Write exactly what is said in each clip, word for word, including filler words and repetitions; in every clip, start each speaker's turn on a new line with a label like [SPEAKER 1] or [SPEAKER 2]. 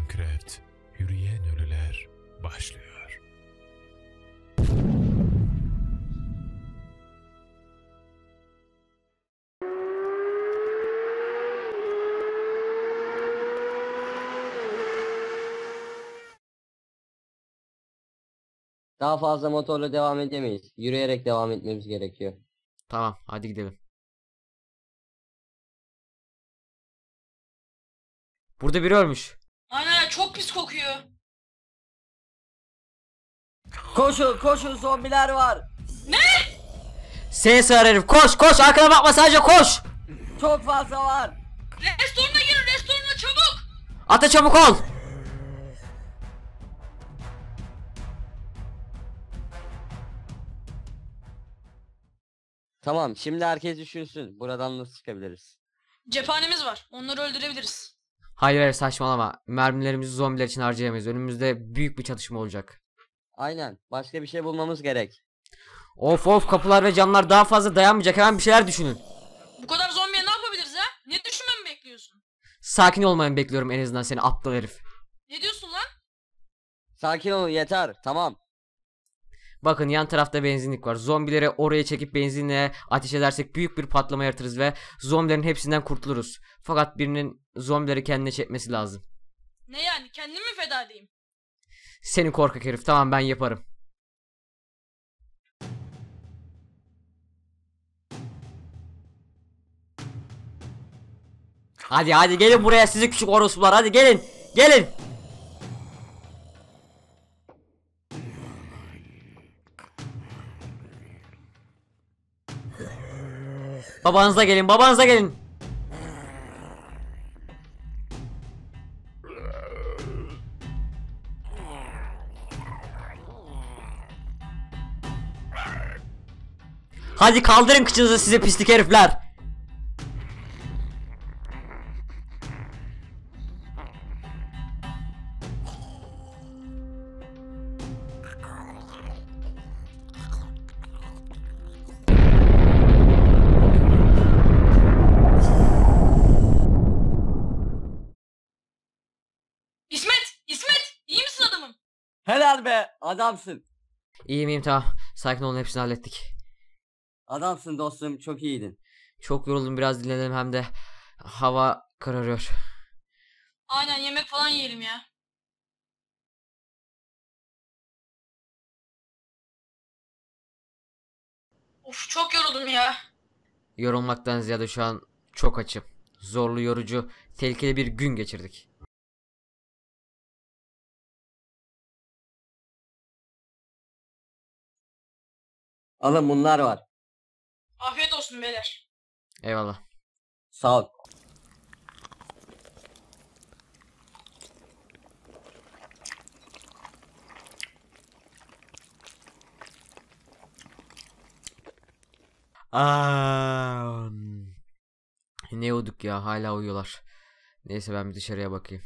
[SPEAKER 1] Minecraft Yürüyen Ölüler başlıyor.
[SPEAKER 2] Daha fazla motorla devam edemeyiz. Yürüyerek devam etmemiz gerekiyor.
[SPEAKER 3] Tamam, hadi gidelim. Burada biri ölmüş.
[SPEAKER 4] Aynen çok pis kokuyor.
[SPEAKER 2] Koşun koşun, zombiler var.
[SPEAKER 3] Seni sığır herif, koş koş, arkana bakma, sadece koş.
[SPEAKER 2] Çok fazla var.
[SPEAKER 4] Restorana girin, restorana çabuk.
[SPEAKER 3] Ata çabuk ol.
[SPEAKER 2] Tamam, şimdi herkes düşünsün. Buradan nasıl çıkabiliriz?
[SPEAKER 4] Cephanemiz var. Onları öldürebiliriz.
[SPEAKER 3] Hayır hayır, saçmalama. Mermilerimizi zombiler için harcayamayız. Önümüzde büyük bir çatışma olacak.
[SPEAKER 2] Aynen. Başka bir şey bulmamız gerek.
[SPEAKER 3] Of of, kapılar ve camlar daha fazla dayanmayacak. Hemen bir şeyler düşünün.
[SPEAKER 4] Bu kadar zombiye ne yapabiliriz ha? Ne düşünmemi bekliyorsun?
[SPEAKER 3] Sakin olmayı bekliyorum en azından, seni aptal herif.
[SPEAKER 4] Ne diyorsun lan?
[SPEAKER 2] Sakin olun, yeter. Tamam.
[SPEAKER 3] Bakın, yan tarafta benzinlik var. Zombileri oraya çekip benzinle ateş edersek büyük bir patlama yaratırız ve zombilerin hepsinden kurtuluruz. Fakat birinin zombileri kendine çekmesi lazım.
[SPEAKER 4] Ne yani? Kendimi mi feda edeyim?
[SPEAKER 3] Seni korkak herif. Tamam, ben yaparım. Hadi hadi gelin buraya sizi küçük orospular, hadi gelin. Gelin. Babanıza gelin, babanıza gelin. Hadi kaldırın kıçınızı size pislik herifler.
[SPEAKER 4] İsmet! İsmet! İyi misin adamım?
[SPEAKER 2] Helal be, adamsın.
[SPEAKER 3] İyiyim iyiyim, tamam. Sakin olun, hepsini hallettik.
[SPEAKER 2] Adamsın dostum, çok iyiydin.
[SPEAKER 3] Çok yoruldum, biraz dinlenelim, hem de hava kararıyor.
[SPEAKER 4] Aynen, yemek falan yiyelim ya. Of, çok yoruldum ya.
[SPEAKER 3] Yorulmaktan ziyade şu an çok açım. Zorlu, yorucu, tehlikeli bir gün geçirdik.
[SPEAKER 2] Alın, bunlar var.
[SPEAKER 4] Afiyet olsun beyler.
[SPEAKER 3] Eyvallah.
[SPEAKER 2] Sağ ol.
[SPEAKER 3] Aa, ne uyuduk ya, hala uyuyorlar. Neyse, ben bir dışarıya bakayım.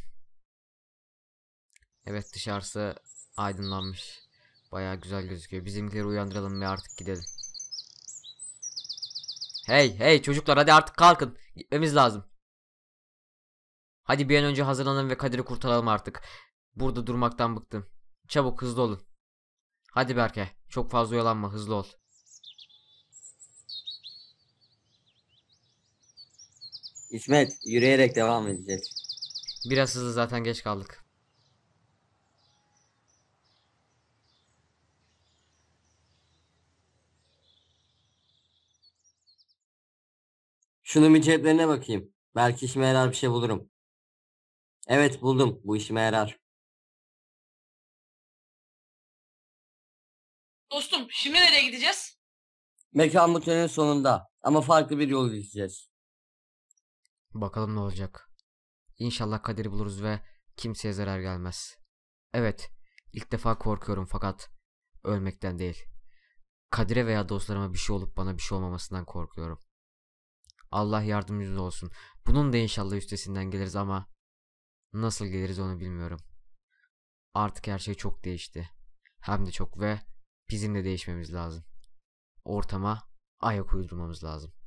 [SPEAKER 3] Evet, dışarısı aydınlanmış. Bayağı güzel gözüküyor. Bizimkileri uyandıralım ve artık gidelim. Hey hey çocuklar, hadi artık kalkın. Gitmemiz lazım. Hadi bir an önce hazırlanın ve Kadir'i kurtaralım artık. Burada durmaktan bıktım. Çabuk, hızlı olun. Hadi Berke, çok fazla oyalanma, hızlı ol.
[SPEAKER 2] İsmet, yürüyerek devam edeceğiz.
[SPEAKER 3] Biraz hızlı, zaten geç kaldık.
[SPEAKER 2] Şunun bir ceplerine bakayım. Belki işime yarar bir şey bulurum. Evet, buldum. Bu işime yarar.
[SPEAKER 4] Dostum, şimdi nereye gideceğiz?
[SPEAKER 2] Mekan bu tünelin sonunda. Ama farklı bir yol izleyeceğiz.
[SPEAKER 3] Bakalım ne olacak. İnşallah Kadir'i buluruz ve kimseye zarar gelmez. Evet, ilk defa korkuyorum fakat ölmekten değil. Kadir'e veya dostlarıma bir şey olup bana bir şey olmamasından korkuyorum. Allah yardımcımız olsun. Bunun da inşallah üstesinden geliriz ama nasıl geliriz onu bilmiyorum. Artık her şey çok değişti. Hem de çok, ve bizim de değişmemiz lazım. Ortama ayak uydurmamız lazım.